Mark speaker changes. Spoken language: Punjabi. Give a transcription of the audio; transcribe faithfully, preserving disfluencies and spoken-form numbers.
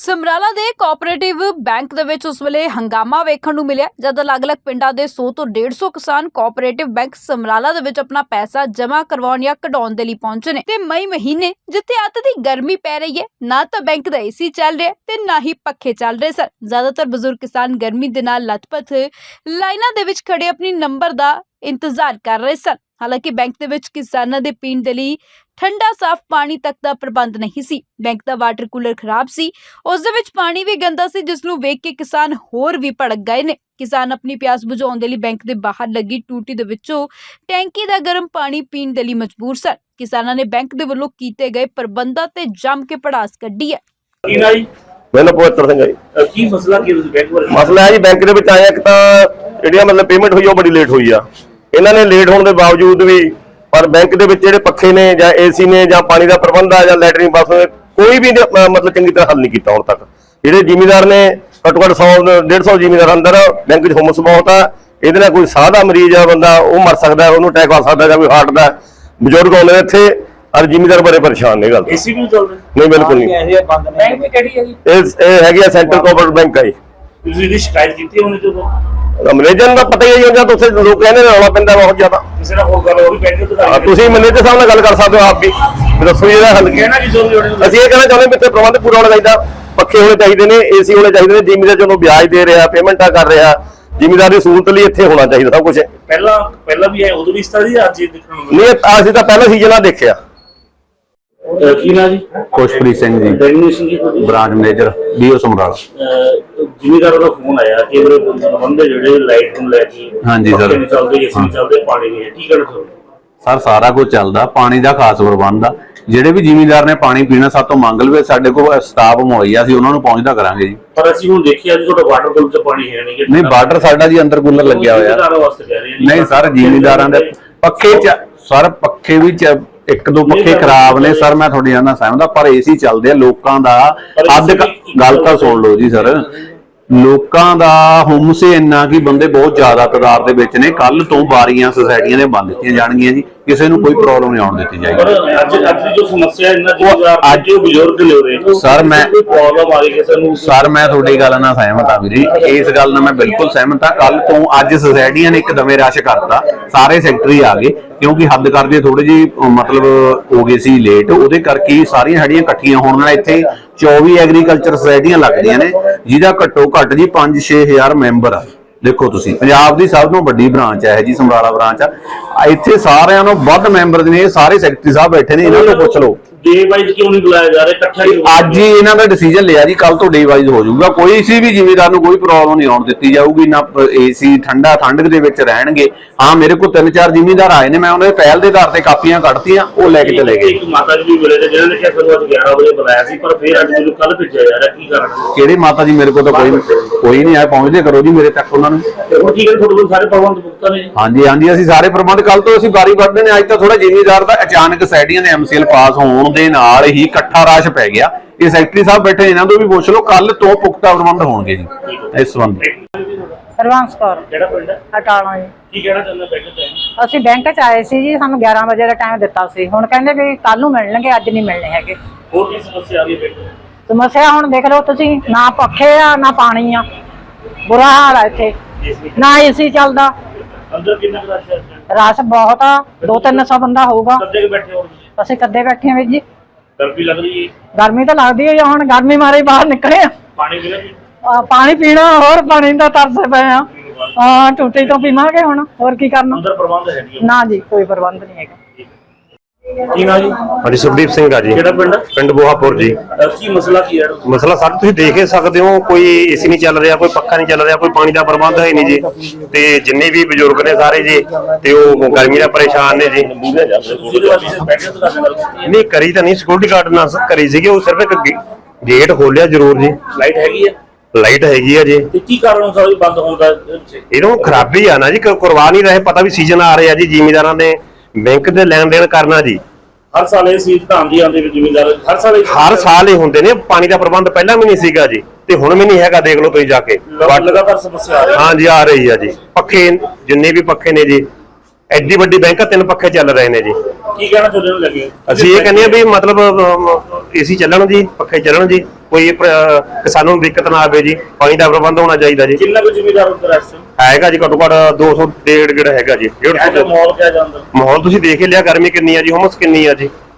Speaker 1: ਸਮਰਾਲਾ ਦੇ ਕੋਆਪਰੇਟਿਵ ਬੈਂਕ ਦੇ ਵਿੱਚ ਉਸ ਵੇਲੇ ਹੰਗਾਮਾ ਵੇਖਣ ਨੂੰ ਮਿਲਿਆ ਜਦ ਅਲੱਗ-ਅਲੱਗ ਪਿੰਡਾਂ ਦੇ ਸੌ ਤੋਂ ਡੇਢ ਸੌ ਕਿਸਾਨ ਕੋਆਪਰੇਟਿਵ ਬੈਂਕ ਸਮਰਾਲਾ ਦੇ ਵਿੱਚ ਆਪਣਾ ਪੈਸਾ ਜਮ੍ਹਾਂ ਕਰਵਾਉਣ ਜਾਂ ਕਢਾਉਣ ਦੇ ਲਈ ਪਹੁੰਚੇ ਨੇ ਤੇ ਮਈ ਮਹੀਨੇ ਜਿੱਥੇ ਅੱਤ ਦੀ ਗਰਮੀ ਪੈ ਰਹੀ ਹੈ ਨਾ ਤਾਂ ਬੈਂਕ ਦਾ ਏਸੀ ਚੱਲ ਰਿਹਾ ਤੇ ਨਾ ਹੀ ਪੱਖੇ ਚੱਲ ਰਹੇ ਸਨ। ਜ਼ਿਆਦਾਤਰ ਬਜ਼ੁਰਗ ਕਿਸਾਨ ਗਰਮੀ ਦੇ ਨਾਲ ਲੱਥਪੱਥ ਲਾਈਨਾਂ ਦੇ ਵਿੱਚ ਖੜੇ ਆਪਣੀ ਨੰਬਰ ਦਾ ਇੰਤਜ਼ਾਰ ਕਰ ਰਹੇ ਸਨ। ਹਾਲਾਂਕਿ ਬੈਂਕ ਦੇ ਵਿੱਚ ਕਿਸਾਨਾਂ ਦੇ ਪੀਣ ਦੇ ਲਈ ਠੰਡਾ ਸਾਫ਼ ਪਾਣੀ ਤੱਕ ਦਾ ਪ੍ਰਬੰਧ ਨਹੀਂ ਸੀ। ਬੈਂਕ ਦਾ ਵਾਟਰ ਕੂਲਰ ਖਰਾਬ ਸੀ, ਉਸ ਦੇ ਵਿੱਚ ਪਾਣੀ ਵੀ ਗੰਦਾ ਸੀ, ਜਿਸ ਨੂੰ ਵੇਖ ਕੇ ਕਿਸਾਨ ਹੋਰ ਵੀ ਭੜਕ ਗਏ ਨੇ। ਕਿਸਾਨ ਆਪਣੀ ਪਿਆਸ ਬੁਝਾਉਣ ਦੇ ਲਈ ਬੈਂਕ ਦੇ ਬਾਹਰ ਲੱਗੀ ਟੂਟੀ ਦੇ ਵਿੱਚੋਂ ਟੈਂਕੀ ਦਾ ਗਰਮ ਪਾਣੀ ਪੀਣ ਦੇ ਲਈ ਮਜਬੂਰ ਸਨ। ਕਿਸਾਨਾਂ ਨੇ ਬੈਂਕ ਦੇ ਵੱਲੋਂ ਕੀਤੇ ਗਏ ਪ੍ਰਬੰਧਾਂ ਤੇ ਜੰਮ ਕੇ ਪੜਾਸ ਕੱਢੀ ਹੈ।
Speaker 2: ਮੈਨੂੰ ਪਵਿੱਤਰ ਸਿੰਘ ਜੀ
Speaker 3: ਕੀ ਮਸਲਾ ਕੀ ਤੁਸੀਂ ਬੈਂਕ ਬਾਰੇ?
Speaker 2: ਮਸਲਾ ਹੈ ਜੀ ਬੈਂਕ ਦੇ ਵਿੱਚ ਆਇਆ ਇੱਕ ਤਾਂ ਜਿਹੜੀਆਂ ਮਤਲਬ ਪੇਮੈਂਟ ਹੋਈ ਉਹ ਬੜੀ ਲੇਟ ਹੋਈ ਆ। ਇਹਨਾਂ ਨੇ ਲੇਟ ਹੋਣ ਦੇ ਬਾਵਜੂਦ ਵੀ ਪਰ ਬੈਂਕ ਦੇ ਵਿੱਚ ਜਿਹੜੇ ਪੱਖੇ ਨੇ ਜਾਂ ਏਸੀ ਨੇ ਜਾਂ ਪਾਣੀ ਦਾ ਪ੍ਰਬੰਧ ਆ ਜਾਂ ਲੈਟਰਿੰਗ ਬਾਥਰੂਮ ਕੋਈ ਵੀ ਮਤਲਬ ਚੰਗੀ ਤਰ੍ਹਾਂ ਹੱਲ ਨਹੀਂ ਕੀਤਾ ਹੁਣ ਤੱਕ। ਜਿਹੜੇ ਜ਼ਿਮੀਂਦਾਰ ਨੇ ਘੱਟੋ ਘੱਟ ਸੌ ਡੇਢ ਸੌ ਜ਼ਿਮੀਂਦਾਰ ਅੰਦਰ ਬੈਂਕ 'ਚ ਹੁਮਸ ਬਹੁਤ ਆ। ਇਹਦੇ ਨਾਲ ਕੋਈ ਸਾਹ ਦਾ ਮਰੀਜ਼ ਆ ਬੰਦਾ ਉਹ ਮਰ ਸਕਦਾ, ਉਹਨੂੰ ਅਟੈਕ ਆ ਸਕਦਾ ਜਾਂ ਕੋਈ ਹਾਰਟ ਦਾ ਬਜ਼ੁਰਗ ਆਉਂਦੇ ਇੱਥੇ ਔਰ ਜ਼ਿਮੀਂਦਾਰ ਬੜੇ ਪਰੇਸ਼ਾਨ ਨੇ। ਗੱਲ
Speaker 3: ਏਸੀ ਵੀ ਚੱਲਦਾ
Speaker 2: ਨਹੀਂ, ਬਿਲਕੁਲ ਨਹੀਂ।
Speaker 3: ਬੈਂਕ ਵੀ ਕਿਹੜੀ ਹੈ ਜੀ?
Speaker 2: ਇਹ ਇਹ ਹੈਗੀ ਆ ਸੈਂਟਰਲ ਕੋਆਪਰੇਟਿਵ ਬੈਂਕ ਆ ਜੀ।
Speaker 3: ਤੁਸੀਂ ਇਹਦੀ ਸ਼ਿਕਾਇਤ ਕੀਤੀ ਹੋਣੀ ਜਦੋਂ
Speaker 2: ਮੈਨੇਜਰ ਦਾ ਪਤਾ ਹੀ ਹੈ ਜੀ, ਉੱਥੇ ਲੋਕ ਕਹਿੰਦੇ ਨੇ ਰੌਲਾ ਪੈਂਦਾ ਬਹੁਤ ਜ਼ਿਆਦਾ।
Speaker 3: ਕਿਸੇ ਨਾਲ ਹੋਰ ਗੱਲ ਹੋ ਰਹੀ ਬੈਂਕ ਦੇ
Speaker 2: ਹਾਂ, ਤੁਸੀਂ ਮੈਨੇਜਰ ਸਾਹਿਬ ਨਾਲ ਗੱਲ ਕਰ ਸਕਦੇ ਹੋ ਆਪ ਵੀ, ਦੱਸੋ ਇਹਦਾ ਹੱਲ ਕੀ ਹੈ।
Speaker 3: ਕਹਿਣਾ ਜੀ ਜੋ ਵੀ ਹੋਣੀ
Speaker 2: ਅਸੀਂ ਇਹ ਕਹਿਣਾ ਚਾਹੁੰਦੇ ਵੀ ਇੱਥੇ ਪ੍ਰਬੰਧ ਪੂਰਾ ਹੋਣਾ ਚਾਹੀਦਾ, ਪੱਖੇ ਹੋਣੇ ਚਾਹੀਦੇ ਨੇ, ਏਸੀ ਹੋਣੇ ਚਾਹੀਦੇ ਨੇ। ਜ਼ਿਮੀਂਦਾਰ ਜਦੋਂ ਵਿਆਜ ਦੇ ਰਿਹਾ, ਪੇਮੈਂਟਾਂ ਕਰ ਰਿਹਾ, ਜ਼ਿਮੀਂਦਾਰ ਦੀ ਸਹੂਲਤ ਲਈ ਇੱਥੇ ਹੋਣਾ ਚਾਹੀਦਾ ਸਭ ਕੁਝ।
Speaker 3: ਪਹਿਲਾਂ ਪਹਿਲਾਂ ਵੀ ਹੈ, ਉਦੋਂ ਵੀ ਇਸ ਤਰ੍ਹਾਂ ਦੀ ਅੱਜ ਇਹ ਦੇਖਣ ਨੂੰ
Speaker 2: ਨਹੀਂ, ਅਸੀਂ ਤਾਂ ਪਹਿਲਾ ਸੀਜ਼ਨ ਆ ਦੇਖਿਆ।
Speaker 3: ਮਿਲਿਆ। ਕੀ ਨਾ ਜੀ?
Speaker 4: ਖੁਸ਼ਪ੍ਰੀਤ ਸਿੰਘ ਜੀ,
Speaker 3: ਡੈਗਨੇਸ਼ਨ ਕੀ ਤੁਹਾਡੀ?
Speaker 4: Branch manager DO Samrala.
Speaker 3: ਜ਼ਿਮੀਂਦਾਰ ਦਾ ਫੋਨ ਆਇਆ ਕਿ ਇਹਦੇ ਪ੍ਰਬੰਧ ਜਿਹੜੇ ਲਾਈਟ ਨੂੰ ਲੈ ਕੇ
Speaker 4: ਹਾਂਜੀ ਸਰ।
Speaker 3: ਪੱਖੇ ਨਹੀਂ ਚੱਲਦੇ, ਏਸੀ ਨਹੀਂ ਚੱਲਦੇ, ਪਾਣੀ ਨਹੀਂ ਹੈ, ਕੀ ਕਹਿਣਾ ਚਾਹੁੰਦੇ?
Speaker 4: ਸਰ ਸਾਰਾ ਕੁਝ ਚੱਲਦਾ, ਪਾਣੀ ਦਾ ਖਾਸ ਪ੍ਰਬੰਧ ਆ। ਜਿਹੜੇ ਵੀ ਜ਼ਿਮੀਂਦਾਰ ਨੇ ਪਾਣੀ ਪੀਣਾ ਸਾਡੇ ਤੋਂ ਮੰਗ ਲਵੇ, ਸਾਡੇ ਕੋਲ ਸਟਾਫ ਮੁਹੱਈਆ ਅਸੀਂ ਉਹਨਾਂ ਨੂੰ ਪਹੁੰਚਦਾ ਕਰਾਂਗੇ ਜੀ।
Speaker 3: ਪਰ ਅਸੀਂ ਹੁਣ ਦੇਖਿਆ ਜੀ ਤੁਹਾਡਾ ਵਾਟਰ ਕੂਲਰ 'ਚ ਪਾਣੀ ਹੈ ਨਹੀਂ।
Speaker 4: ਨਹੀਂ, ਵਾਟਰ ਸਾਡਾ ਜੀ ਅੰਦਰ ਕੂਲਰ ਲੱਗਿਆ ਹੋਇਆ।
Speaker 3: ਜ਼ਿਮੀਂਦਾਰਾਂ ਵਾਸਤੇ ਕਹਿ ਰਹੇ ਜੀ।
Speaker 4: ਨਹੀਂ ਸਰ, ਜ਼ਿਮੀਂਦਾਰਾਂ ਦੇ ਪੱਖੇ ਚ ਸਰ ਪੱਖੇ ਵੀ ਚ ਇੱਕ ਦੋ ਪੱਖੇ ਖਰਾਬ ਨੇ ਸਰ, ਮੈਂ ਤੁਹਾਡੀ ਨਾਲ ਸਹਿਮਤ ਹਾਂ, ਪਰ ਏਸੀ ਚੱਲਦੇ ਆ। ਲੋਕਾਂ ਦਾ ਅੱਧ ਗੱਲ ਤਾਂ ਸੁਣ ਲਓ ਜੀ ਸਰ, ਲੋਕਾਂ ਦਾ ਹੁਮਸ ਇੰਨਾ ਕਿ ਬੰਦੇ ਬਹੁਤ ਜ਼ਿਆਦਾ ਤਾਦਾਦ ਦੇ ਵਿੱਚ ਨੇ। ਕੱਲ ਤੋਂ ਬਾਰੀਆਂ ਸੁਸਾਇਟੀਆਂ ਨੇ ਬੰਦ ਕੀਤੀਆਂ ਜਾਣਗੀਆਂ ਜੀ, ਕਿਸੇ ਨੂੰ ਕੋਈ ਪ੍ਰੋਬਲਮ ਨਹੀਂ ਆਉਣ ਦਿੱਤੀ ਜਾਏਗੀ।
Speaker 3: ਪਰ ਅੱਜ ਅੱਜ ਦੀ ਜੋ ਸਮੱਸਿਆ ਇੰਨਾ ਜ਼ਿਮੀਂਦਾਰ ਅੱਜ ਉਹ ਬਜ਼ੁਰਗ ਨੇ ਉਹਦੇ
Speaker 4: ਸਰ ਮੈਂ
Speaker 3: ਕੋਈ ਪ੍ਰੋਬਲਮ ਆ ਰਹੀ ਕਿਸੇ ਨੂੰ?
Speaker 4: ਸਰ ਮੈਂ ਤੁਹਾਡੀ ਗੱਲ ਨਾਲ ਸਹਿਮਤ ਹਾਂ ਵੀਰੇ, ਇਸ ਗੱਲ ਨਾਲ ਮੈਂ ਬਿਲਕੁਲ ਸਹਿਮਤ ਹਾਂ। ਕੱਲ ਤੋਂ ਅੱਜ ਸੁਸਾਇਟੀਆਂ ਨੇ ਇੱਕਦਮੇ ਰਸ਼ ਕਰਤਾ, ਸਾਰੇ ਸੈਕਟਰੀ ਆ ਗਏ ਕਿਉਂਕਿ ਹੱਦ ਕਰਦੇ ਥੋੜੇ ਜਿਹੀ ਮਤਲਬ ਹੋ ਗਏ ਸੀ ਲੇਟ, ਉਹਦੇ ਕਰਕੇ ਸਾਰੀਆਂ ਸਾਡੀਆਂ ਇਕੱਠੀਆਂ ਹੋਣ ਨਾਲ ਇੱਥੇ ਚੌਵੀ ਐਗਰੀਕਲਚਰ ਸੁਸਾਇਟੀਆਂ ਲੱਗਦੀਆਂ ਨੇ, ਜਿਹਦਾ ਘੱਟੋ ਘੱਟ ਜੀ ਪੰਜ ਛੇ ਹਜ਼ਾਰ ਮੈਂਬਰ ਆ। ਦੇਖੋ ਤੁਸੀਂ, ਪੰਜਾਬ ਦੀ ਸਭ ਤੋਂ ਵੱਡੀ ਬ੍ਰਾਂਚ ਹੈ ਜੀ ਸਮਰਾਲਾ ਬ੍ਰਾਂਚ ਆ। ਇੱਥੇ ਸਾਰਿਆਂ ਨੂੰ ਵੱਧ ਮੈਂਬਰ ਨੇ, ਸਾਰੇ ਸੈਕਟਰੀ ਸਾਹਿਬ ਬੈਠੇ ਨੇ, ਇਹਨਾਂ ਨੂੰ ਪੁੱਛ ਲਓ
Speaker 3: ਡੇ ਵਾਈਜ਼ ਕਿਉਂ ਨਹੀਂ ਬੁਲਾਇਆ ਜਾ ਰਿਹਾ? ਇਕੱਠਾ ਹੀ
Speaker 4: ਅੱਜ ਹੀ ਇਹਨਾਂ ਦਾ ਡਿਸੀਜਨ ਲਿਆ ਜੀ, ਕੱਲ ਤੋਂ ਡੇ ਵਾਈਜ਼ ਹੋ ਜਾਊਗਾ। ਕੋਈ ਸੀ ਵੀ ਜ਼ਿਮੀਂਦਾਰ ਨੂੰ ਕੋਈ ਪ੍ਰੋਬਲਮ ਨਹੀਂ ਆਉਣ ਦਿੱਤੀ ਜਾਊਗੀ, ਨਾ ਏਸੀ ਠੰਡਾ ਠੰਡ ਦੇ ਵਿੱਚ ਰਹਿਣਗੇ। ਹਾਂ, ਮੇਰੇ ਕੋਲ ਤਿੰਨ ਚਾਰ ਜ਼ਿਮੀਂਦਾਰ ਆਏ ਨੇ, ਮੈਂ ਉਹਨਾਂ ਦੇ ਪਹਿਲ ਦੇ ਆਧਾਰ ਤੇ ਕਾਪੀਆਂ ਕੱਢਤੀਆਂ, ਉਹ ਲੈ ਕੇ ਚਲੇ ਗਏ।
Speaker 3: ਇੱਕ ਮਾਤਾ ਜੀ ਵੀ ਮਿਲੇ ਨੇ ਜਿਹਨਾਂ ਨੇ ਕਿਹਾ ਸਾਨੂੰ ਅੱਜ ਗਿਆਰਾਂ ਵਜੇ ਬੁਲਾਇਆ ਸੀ, ਪਰ ਫਿਰ ਅੱਜ ਮੈਨੂੰ ਕੱਲ ਭੇਜਿਆ ਜਾ ਰਿਹਾ, ਕੀ ਕਾਰਨ?
Speaker 4: ਕਿਹੜੇ ਮਾਤਾ ਜੀ? ਮੇਰੇ ਕੋਲ ਤਾਂ ਕੋਈ ਕੋਈ ਨਹੀਂ ਆਇਆ, ਪਹੁੰਚਦੇ ਕਰੋ ਜੀ ਮੇਰੇ ਤੱਕ ਉਹਨਾਂ ਨੂੰ।
Speaker 3: ਤੇ ਹੁਣ ਕੀ ਗੱਲ ਤੁਹਾਡੇ ਕੋਲ ਸਾਰੇ ਪ੍ਰਬੰਧ ਪੁਖਤਾ ਨੇ?
Speaker 4: ਹਾਂਜੀ ਹਾਂਜੀ, ਅਸੀਂ ਸਾਰੇ ਪ੍ਰਬੰਧ ਕੱਲ ਤੋਂ ਅਸੀਂ ਵਾਰੀ ਵਰਤਦੇ ਨੇ। ਅੱਜ ਤਾਂ ਥੋੜਾ ਜ਼ਿਮੀਂਦਾਰ ਦਾ ਅਚਾਨਕ ਸਾਈਡੀਆਂ ਦੇ ਐਮਸੀਐਲ ਪਾਸ ਹੋਣ ਦੇ ਨਾਲ ਹੀ ਇਕੱਠਾ ਰਸ਼ ਪੈ ਗਿਆ। ਇਹ ਸੈਕਟਰੀ ਸਾਹਿਬ ਬੈਠੇ, ਇਹਨਾਂ ਤੋਂ ਵੀ ਪੁੱਛ ਲਓ, ਕੱਲ ਤੋਂ ਪੁਖਤਾ ਪ੍ਰਬੰਧ ਹੋਣਗੇ ਜੀ ਇਸ ਸੰਬੰਧ।
Speaker 5: ਹਰਵੰਸ ਕੌਰ,
Speaker 3: ਕਿਹੜਾ ਪਿੰਡ ਹੈ?
Speaker 5: ਅਟਾਲਾ ਜੀ।
Speaker 3: ਕੀ ਕਹਿਣਾ ਚਾਹੁੰਦੇ ਬੈਂਕ ਚ?
Speaker 5: ਅਸੀਂ ਬੈਂਕ ਚ ਆਏ ਸੀ ਜੀ, ਸਾਨੂੰ ਗਿਆਰਾਂ ਵਜੇ ਦਾ ਟਾਈਮ ਦਿੱਤਾ ਸੀ, ਹੁਣ ਕਹਿੰਦੇ ਵੀ ਕੱਲ ਨੂੰ ਮਿਲਣਗੇ, ਅੱਜ ਨਹੀਂ ਮਿਲਣੇ ਹੈਗੇ।
Speaker 3: ਹੋਰ ਕੀ ਸਮੱਸਿਆ ਆ ਰਹੀ ਹੈ ਬੈਂਕ ਚ?
Speaker 5: ਸਮੱਸਿਆ ਹੁਣ ਦੇਖ ਲਓ ਤੁਸੀਂ, ਨਾ ਪੱਖੇ ਆ ਨਾ ਪਾਣੀ ਆ, ਬੁਰਾ ਹਾਲ ਆ ਇੱਥੇ, ਨਾ ਏਸੀ ਚੱਲਦਾ।
Speaker 3: ਅੰਦਰ ਕਿੰਨਾ ਕੁ ਰਸ਼ ਹੈ?
Speaker 5: ਰਸ਼ ਬਹੁਤ ਆ, ਦੋ ਤਿੰਨ ਸੌ ਬੰਦਾ ਹੋਊਗਾ।
Speaker 3: ਕੱਦੇ ਕੇ ਬੈਠੇ ਹੋ ਤੁਸੀਂ?
Speaker 5: ਅਸੀਂ ਕੱਦੇ ਬੈਠੇ ਆ ਵੀਰ ਜੀ।
Speaker 3: ਗਰਮੀ ਲੱਗ ਰਹੀ ਹੈ?
Speaker 5: ਗਰਮੀ ਤਾਂ ਲੱਗਦੀ ਹੈ, ਹੁਣ ਗਰਮੀ ਮਾਰੇ ਬਾਹਰ ਨਿਕਲੇ ਆ।
Speaker 3: ਪਾਣੀ ਪੀਣਾ ਜੀ?
Speaker 5: ਆ, ਪਾਣੀ ਪੀਣਾ, ਹੋਰ ਪਾਣੀ ਦਾ ਤਰਸ ਪਏ ਆ। ਹਾਂ, ਟੂਟੀ ਤੋਂ ਪੀਵਾਂਗੇ ਹੁਣ, ਹੋਰ ਕੀ ਕਰਨਾ।
Speaker 3: ਅੰਦਰ ਪ੍ਰਬੰਧ ਹੈ ਨਹੀਂ?
Speaker 5: ਨਾ ਜੀ, ਕੋਈ ਪ੍ਰਬੰਧ ਨਹੀਂ ਹੈਗਾ।
Speaker 3: ਕੀ ਨਾ ਜੀ?
Speaker 2: ਹਾਂਜੀ, ਸੁਖਦੀਪ ਸਿੰਘ ਆ ਜੀ।
Speaker 3: ਕਿਹੜਾ ਪਿੰਡ?
Speaker 2: ਪਿੰਡ ਬੋਹਾਪੁਰ ਜੀ।
Speaker 3: ਕੀ ਮਸਲਾ ਕੀ ਹੈ?
Speaker 2: ਮਸਲਾ ਸਰ ਤੁਸੀਂ ਦੇਖ ਹੀ ਸਕਦੇ ਹੋ, ਕੋਈ ਏਸੀ ਨਹੀਂ ਚੱਲ ਰਿਹਾ, ਕੋਈ ਪੱਖਾ ਨਹੀਂ ਚੱਲ ਰਿਹਾ, ਕੋਈ ਪਾਣੀ ਦਾ ਪ੍ਰਬੰਧ ਹੈ ਨਹੀਂ ਜੀ। ਤੇ ਜਿੰਨੇ ਵੀ ਬਜ਼ੁਰਗ ਨੇ ਸਾਰੇ ਜੀ, ਤੇ ਉਹ ਗਰਮੀ ਦਾ ਪਰੇਸ਼ਾਨ ਨੇ ਜੀ। ਨਹੀਂ ਕਰੀ ਤਾਂ ਨਹੀਂ, ਸਿਕਿਉਰਿਟੀ ਗਾਰਡ ਨਾਲ ਕਰੀ ਸੀਗੀ, ਉਹ ਸਿਰਫ ਇੱਕ ਗੇਟ ਖੋਲਿਆ ਜ਼ਰੂਰ ਜੀ।
Speaker 3: ਲਾਈਟ ਹੈਗੀ ਹੈ?
Speaker 2: ਲਾਈਟ ਹੈਗੀ ਆ ਜੀ।
Speaker 3: ਤੇ ਕੀ ਕਾਰਨ ਸਾਰੀ ਬੰਦ ਹੋਣ ਦਾ?
Speaker 2: ਇਹਨੂੰ ਖਰਾਬੀ ਆ ਨਾ ਜੀ, ਕਰਵਾ ਨਹੀਂ ਰਹੇ। ਪਤਾ ਵੀ ਸੀਜ਼ਨ ਆ ਰਿਹਾ ਜੀ, ਜ਼ਿਮੀਂਦਾਰਾਂ ਨੇ ਬੈਂਕ ਦੇ ਲੈਣ ਦੇਣ ਕਰਨਾ ਜੀ।
Speaker 3: ਹਰ ਸਾਲ ਇਹ ਸੀਟ ਤਾਂ ਆਉਂਦੀ ਆਉਂਦੀ ਜ਼ਿਮੀਂਦਾਰ ਹਰ ਸਾਲ
Speaker 2: ਹਰ ਸਾਲ ਹੀ ਹੁੰਦੇ ਨੇ। ਪਾਣੀ ਦਾ ਪ੍ਰਬੰਧ ਪਹਿਲਾਂ ਵੀ ਨਹੀਂ ਸੀਗਾ ਜੀ, ਤੇ ਹੁਣ ਵੀ ਨਹੀਂ ਹੈਗਾ। ਦੇਖ ਲਓ ਤੁਸੀਂ ਜਾ ਕੇ,
Speaker 3: ਲਗਾਤਾਰ ਸਮੱਸਿਆ ਆ ਰਹੀ ਹੈ।
Speaker 2: ਹਾਂ ਜੀ, ਆ ਰਹੀ ਆ ਜੀ। ਪੱਖੇ ਜਿੰਨੇ ਵੀ ਪੱਖੇ ਨੇ ਜੀ, ਐਡੀ ਵੱਡੀ ਬੈਂਕ ਆ, ਤਿੰਨ ਪੱਖੇ ਚੱਲ ਰਹੇ ਨੇ ਜੀ।
Speaker 3: ਕੀ ਕਹਿਣਾ ਚਾਹੁੰਦੇ ਹੋ ਲੱਗੇ
Speaker 2: ਅਸੀਂ ਇਹ ਕਹਿੰਦੇ ਆ ਵੀ ਮਤਲਬ ਏਸੀ ਚੱਲਣ ਜੀ, ਪੱਖੇ ਚੱਲਣ ਜੀ, ਕੋਈ ਅਹ, ਕਿਸਾਨਾਂ ਨੂੰ ਦਿੱਕਤ ਨਾ ਆਵੇ ਜੀ। ਪਾਣੀ ਦਾ ਪ੍ਰਬੰਧ ਹੋਣਾ ਚਾਹੀਦਾ ਜੀ।
Speaker 3: ਕਿੰਨਾ ਕੁ ਜ਼ਿਮੀਦਾਰ ਉੱਧਰ ਇਸ
Speaker 2: ਹੈਗਾ ਜੀ ਘੱਟੋ ਘੱਟ ਦੋ ਸੌ ਡੇਢ ਗੇੜ ਹੈਗਾ ਜੀ। ਡੇਢ
Speaker 3: ਟਾਈਮ
Speaker 2: ਸੌ
Speaker 3: ਮਾਹੌਲ ਕਿਹਾ ਜਾਂਦਾ?
Speaker 2: ਮਾਹੌਲ ਤੁਸੀਂ ਦੇਖ ਹੀ ਲਿਆ, ਗਰਮੀ ਕਿੰਨੀ ਆ ਜੀ, ਹੁਮਸ ਕਿੰਨੀ ਆ ਜੀ।